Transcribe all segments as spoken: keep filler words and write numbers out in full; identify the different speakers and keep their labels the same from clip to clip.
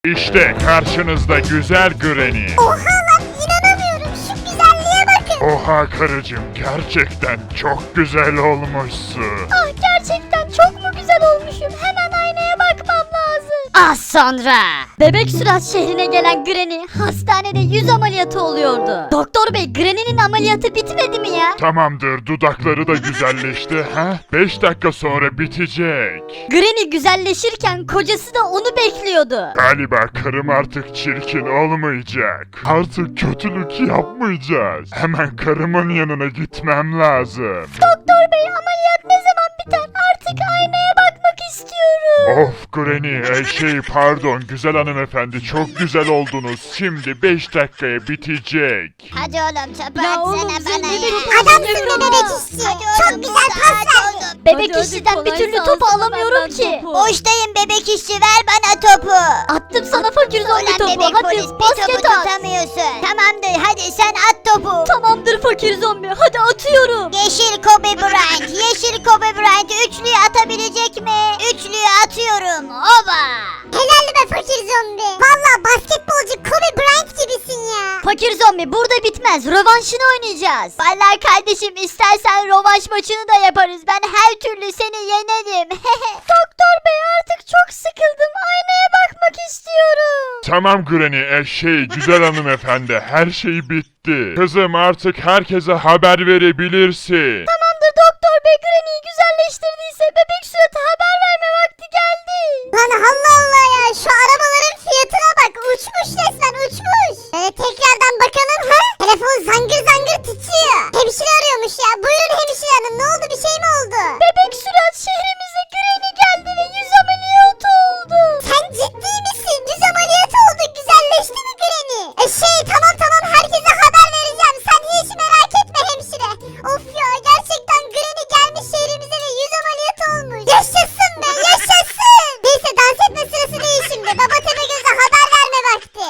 Speaker 1: İşte karşınızda güzel Granny.
Speaker 2: Oha lan inanamıyorum şu güzelliğe bakın.
Speaker 1: Oha karıcığım, gerçekten çok güzel olmuşsun.
Speaker 2: Ah gerçekten çok mu güzel olmuşum? Hemen aynaya bakmam lazım.
Speaker 3: Az sonra Bebek Sürat şehrine gelen Granny hastanede yüz ameliyatı oluyordu. Doktor bey, Granny'nin ameliyatı bitmedi mi ya?
Speaker 1: Tamamdır, dudakları da güzelleşti. Ha? beş dakika sonra bitecek.
Speaker 3: Granny güzelleşirken kocası da onu bekliyordu.
Speaker 1: Galiba karım artık çirkin olmayacak. Artık kötülük yapmayacağız. Hemen karımın yanına gitmem lazım.
Speaker 2: Doktor bey ameliyat ne zaman biter? Artık aynaya bakmak istiyorum.
Speaker 1: Of Granny, e, şey pardon güzel hanımefendi, çok güzel oldunuz. Şimdi beş dakikaya bitecek.
Speaker 2: Hadi oğlum çöpü
Speaker 3: Ya oğlum,
Speaker 2: atsana
Speaker 3: sen
Speaker 2: bana
Speaker 3: bebek
Speaker 2: ya.
Speaker 3: işçi
Speaker 2: Adamsın
Speaker 3: misin
Speaker 2: be
Speaker 3: ama?
Speaker 2: bebek işçi. Çok güzel pas verdin.
Speaker 3: Bebek
Speaker 4: hadi,
Speaker 3: işçiden bir
Speaker 4: kolay
Speaker 3: türlü
Speaker 4: gelsin,
Speaker 3: topu
Speaker 4: benden
Speaker 3: alamıyorum ki.
Speaker 4: topu.
Speaker 2: Boştayım bebek işçi ver bana topu.
Speaker 3: Attım sana fakir zombi
Speaker 2: Ulan
Speaker 3: topu.
Speaker 2: bebek
Speaker 3: Hadi
Speaker 2: polis bir topu
Speaker 3: basket at.
Speaker 2: tutamıyorsun. Tamamdır hadi sen at topu.
Speaker 3: Tamamdır fakir zombi. Hadi atıyorum.
Speaker 2: Yeşil Kobe Bryant, yeşil Kobe Bryant üçlüyü atabilecek mi? Üçlüyü atıyorum. Oba! Helal be fakir zombi. Valla basketbolcu Kobe Bryant gibisin ya.
Speaker 3: Fakir zombi burada bitmez. Rövanşını oynayacağız.
Speaker 2: Vallahi kardeşim istersen rövanş maçını da yaparız. Ben her türlü seni yenerim. Doktor bey artık çok sıkıldım. Aynaya bakmak istiyorum.
Speaker 1: Tamam Granny, e, şey güzel hanımefendi, her şey bitti. Kızım artık herkese haber verebilirsin.
Speaker 2: Tamamdır doktor bey, Granny'yi güzelleştirdiyse bebek suratı haber verme vakti geldi. Lan Allah Allah ya, şu arabaların fiyatına bak, uçmuş resmen uçmuş. Ee, tekrardan bakalım ha? Telefon zangır zangır titriyor. Hemşire arıyormuş ya, buyurun hemşire hanım, ne oldu, bir şey mi oldu? Bebek surat şehrimize Granny geldi ve yüz ameliyatı oldu. Sen ciddi misin? Yüz ameliyatı oldu, güzelleşti mi Granny? E şey tamam tamam, herkese haber vereceğim, sen hiç merak etme hemşire. Of ya, gerçekten Granny gelmiş şehrimize ve yüz ameliyatı olmuş. Yaşasın be yaşasın. Neyse dans etme sırası değil şimdi, Baba Tepegöz'e haber verme vakti.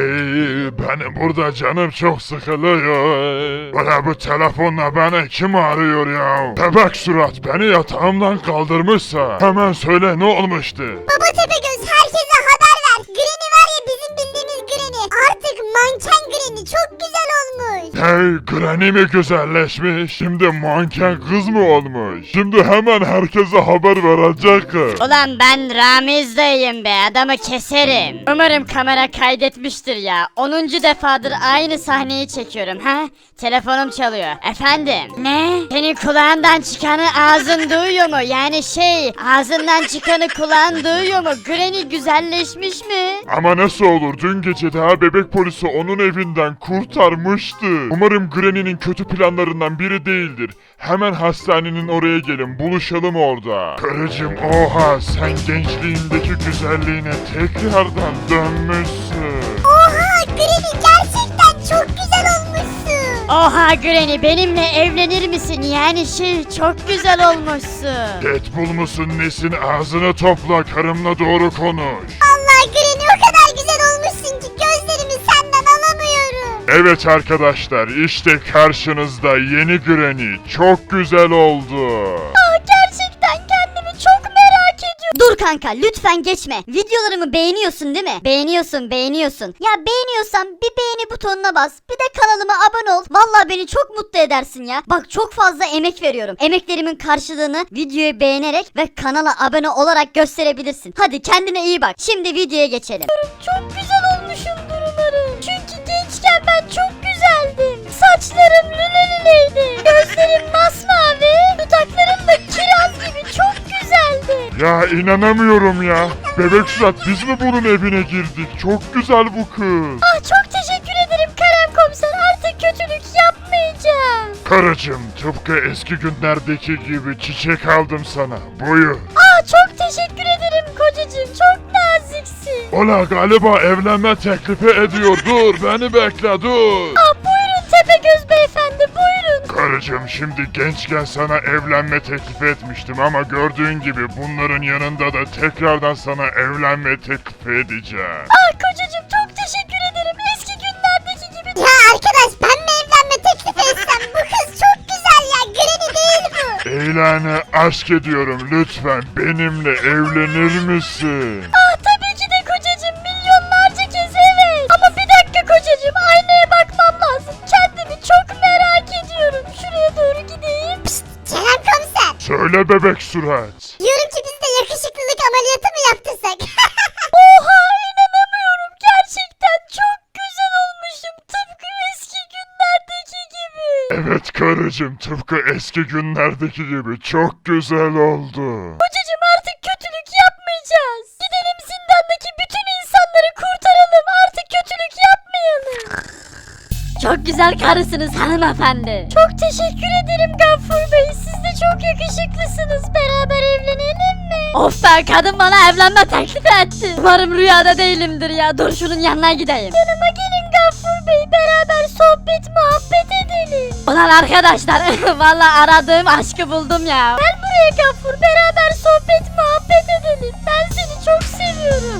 Speaker 1: Ay, benim burada canım çok sıkılıyor. Bana bu telefonla beni kim arıyor ya? Bebek surat beni yatağımdan kaldırmışsa hemen söyle, ne olmuştu?
Speaker 2: Baba Tepegöz herkese haber ver. Granny var ya, bizim bildiğimiz Granny. Artık manken Granny, çok güzel olmuş.
Speaker 1: Hey, Granny mi güzelleşmiş? Şimdi manken kız mı olmuş? Şimdi hemen herkese haber verecek kız.
Speaker 3: Ulan ben Ramiz dayıyım be, adamı keserim. Umarım kamera kaydetmiştir ya. onuncu defadır aynı sahneyi çekiyorum ha. Telefonum çalıyor. Efendim? Ne? Senin kulağından çıkanı ağzın duyuyor mu? Yani şey, ağzından çıkanı kulağın duyuyor mu? Granny güzelleşmiş mi?
Speaker 1: Ama nasıl olur? Dün gece daha bebek polisi onun evinden kurtarmıştı. Umarım Granny'nin kötü planlarından biri değildir. Hemen hastanenin oraya gelin, buluşalım orada. Karıcığım, oha, sen gençliğindeki güzelliğine tekrardan dönmüşsün.
Speaker 2: Oha Granny, gerçekten çok güzel olmuşsun.
Speaker 3: Oha Granny, benimle evlenir misin? Yani şey, çok güzel olmuşsun.
Speaker 1: Deadpool musun nesin? Ağzını topla, karımla doğru konuş.
Speaker 2: Allah Granny, o kadar güzel olmuşsun ki gözlerimi senden alamıyorum.
Speaker 1: Evet arkadaşlar, işte karşınızda yeni Granny. Çok güzel oldu.
Speaker 2: Aa, gerçekten kendimi çok merak ediyorum.
Speaker 3: Dur kanka, lütfen geçme. Videolarımı beğeniyorsun değil mi? Beğeniyorsun, beğeniyorsun. Ya beğeniyorsan bir beğeni butonuna bas. Bir de kanalıma abone ol. Vallahi beni çok mutlu edersin ya. Bak çok fazla emek veriyorum. Emeklerimin karşılığını videoyu beğenerek ve kanala abone olarak gösterebilirsin. Hadi kendine iyi bak. Şimdi videoya geçelim.
Speaker 2: Çok güzel olmuşumdur umarım. Çünkü gençken ben çok güzeldim. Saçlarım lüle lüleydi. Gözlerim masmavi. Dudaklarım da kiraz gibi çok güzeldi.
Speaker 1: Ya inanamıyorum ya. Bebek surat, biz mi bunun evine girdik? Çok güzel bu kız.
Speaker 2: Ah çok teşekkür ederim Kerem komiser. Artık kötülük yapmayacağım.
Speaker 1: Karıcığım, tıpkı eski günlerdeki gibi çiçek aldım sana. Buyur.
Speaker 2: Ah çok teşekkür ederim kocacığım. Çok naziksin.
Speaker 1: Ola galiba evlenme teklifi ediyor. Dur, beni bekle, dur.
Speaker 2: Ah buyurun Tepegöz beyefendi, buyurun.
Speaker 1: Karıcığım, şimdi gençken sana evlenme teklifi etmiştim ama gördüğün gibi bunların yanında da tekrardan sana evlenme teklifi edeceğim.
Speaker 2: Ah kocacığım çok teşekkür ederim. Eski günlerdeki gibi. Ya arkadaş, ben mi evlenme teklifi etsem? Bu kız çok güzel ya. Granny değil bu.
Speaker 1: İlanı aşk ediyorum, lütfen benimle evlenir misin?
Speaker 2: Ah tabii ki de kocacığım. Milyonlarca
Speaker 1: Söyle bebek surat.
Speaker 2: Diyorum ki biz de yakışıklılık ameliyatı mı yaptırsak?
Speaker 3: Oha inanamıyorum. Gerçekten çok güzel olmuşum. Tıpkı eski günlerdeki gibi.
Speaker 1: Evet karıcığım, tıpkı eski günlerdeki gibi çok güzel oldu.
Speaker 3: Kocacığım artık kötülük yapmayacağız. Gidelim zindandaki bütün insanları kurtaralım. Artık kötülük yapmayalım. Çok güzel karısınız hanımefendi. Çok teşekkür ederim Gaffur Bey. Siz de çok yakışıklısınız. Beraber evlenelim mi? Of be, kadın bana evlenme teklif etti. Umarım rüyada değilimdir ya. Dur şunun yanına gideyim. Yanıma gelin Gaffur Bey. Beraber sohbet muhabbet edelim. Ulan arkadaşlar vallahi aradığım aşkı buldum ya. Gel buraya Gaffur. Beraber sohbet muhabbet edelim. Ben seni çok seviyorum.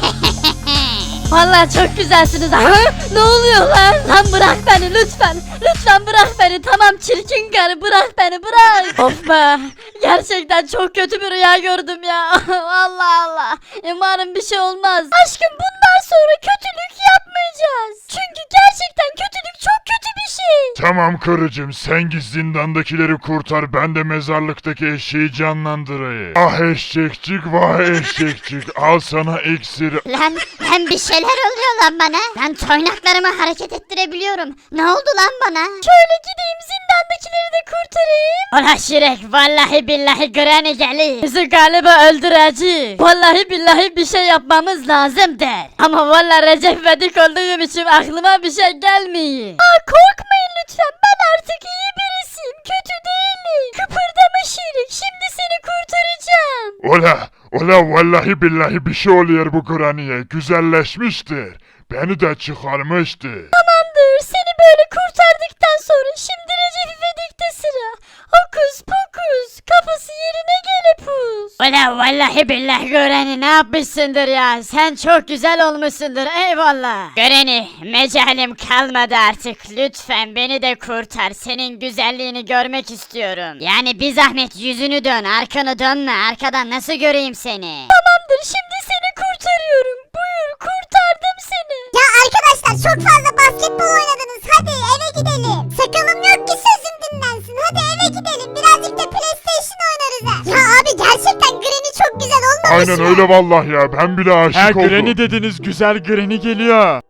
Speaker 3: Vallahi çok güzelsiniz. Ha? Ne oluyor lan? Lan bırak beni lütfen. Lütfen bırak beni. Tamam çirkin karı, bırak beni, bırak. Of be. Gerçekten çok kötü bir rüya gördüm ya. Allah Allah. Umarım bir şey olmaz. Aşkım bundan sonra kötülük yapmayacağız. Çünkü gerçekten kötülük çok kötü bir şey.
Speaker 1: Tamam karıcığım, sen git zindandakileri kurtar, ben de mezarlıktaki eşeği canlandırayım. Ah eşekçik, vah eşekçik, al sana iksir.
Speaker 3: Lan, lan bir şeyler oluyor lan bana. Lan toynaklarımı hareket ettirebiliyorum. Ne oldu lan bana? Şöyle gideyim zindandakileri de kurtarayım. Ulan Şirek, vallahi billahi Granny gelir. Bizi galiba öldürecek. Vallahi billahi bir şey yapmamız lazım der. Ama vallahi Recep İvedik olduğum için aklıma bir şey gelmiyor. Aa korkmayın lütfen, ben artık iyi birisiyim. Kötü değilim. Kıpırdama Şirek, şimdi seni kurtaracağım.
Speaker 1: Ola, ola vallahi billahi bir şey oluyor bu Granny'e, güzelleşmiştir. Beni de çıkarmıştır.
Speaker 3: Tamamdır, seni böyle kurtardıktan sonra şimdi Recep İvedik'te sıra. Hokus pokus, kafası yerine gelepus. Ulan vallahi billahi Göreni ne yapmışsındır ya. Sen çok güzel olmuşsundur, eyvallah. Göreni, mecalim kalmadı artık. Lütfen beni de kurtar. Senin güzelliğini görmek istiyorum. Yani bir zahmet yüzünü dön, arkanı dönme. Arkadan nasıl göreyim seni? Tamamdır, şimdi seni kurtarıyorum. Buyur, kurtardım seni.
Speaker 2: Ya arkadaşlar çok fazla basketbol oynadınız. Hadi eve gidelim. Sakalım yok ki sözüm dinlensin. Hadi eve gidelim. Birazcık da PlayStation oynarız ha. Ya abi gerçekten Granny çok güzel olmamış
Speaker 1: Aynen
Speaker 2: mı?
Speaker 1: öyle vallahi ya, ben bile aşık
Speaker 4: Ha
Speaker 1: oldum.
Speaker 4: Granny dediniz, güzel Granny geliyor.